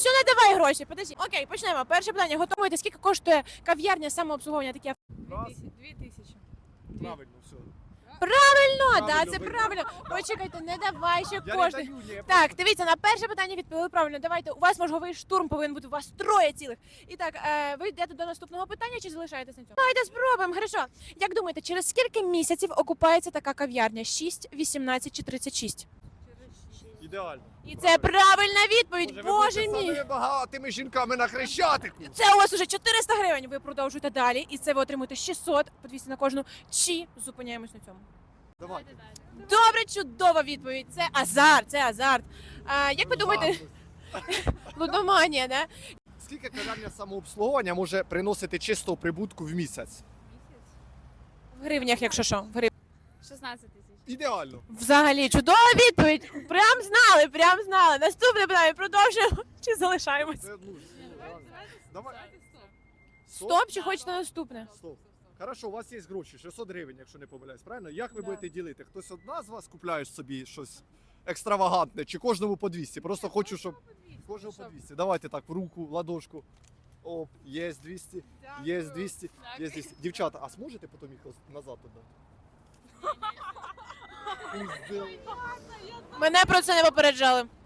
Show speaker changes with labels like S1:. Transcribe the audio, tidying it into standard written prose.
S1: все, не давай гроші, подожди. Окей, почнемо. Перше питання. Готуєте, скільки коштує кав'ярня самообслуговування таке?
S2: 2000.
S3: Правильно, все.
S1: Правильно, да,
S3: Правильно,
S1: це
S3: ви-
S1: правильно. Почекайте, не давай ще
S3: Я не
S1: кошти.
S3: даю, ні, я
S1: Так,
S3: просто-
S1: дивіться, на перше питання відповіли правильно. Давайте, у вас мозговий штурм повинен бути, у вас троє цілих. І так, ви йдете до наступного питання чи залишаєтесь на цьому? Давайте спробуємо, хорошо. Як думаєте, через скільки місяців окупається така кав'ярня? 6, 18 чи 36?
S3: Ідеально.
S1: І це правильна відповідь,
S3: ви
S1: боже
S3: будете
S1: мій.
S3: самими багатими жінками на Хрещатику.
S1: Це у вас уже 400 гривень, ви продовжуєте далі, і це ви отримуєте 600, по 200 на кожну, чи зупиняємось на цьому?
S3: Давайте.
S1: Добре, чудова відповідь, це азарт, це азарт. Як ви думаєте, лудоманія, да?
S3: Скільки кав'ярня самообслуговування може приносити чистого прибутку в місяць?
S1: В гривнях, якщо що, в гривнях.
S2: 16 тисяч.
S3: Ідеально.
S1: Взагалі, чудова відповідь. Прям знали, прям знали. Наступне питання, продовжуємо чи залишаємось?
S3: Це, ну, давай.
S1: Стоп, чи хочете наступне?
S3: Стоп. Хорошо, у вас є гроші, 600 гривень, якщо не помиляюсь, правильно? Як ви
S1: Да.
S3: будете ділити? Хтось одна з вас купляє собі щось екстравагантне, чи кожному по 200? Просто хочу, щоб кожному по 200. Давайте так, в руку, в ладошку. Оп, є 200, є 200, є 200. Дівчата, а зможете потім їх назад віддати?
S1: Мене про це не попереджали.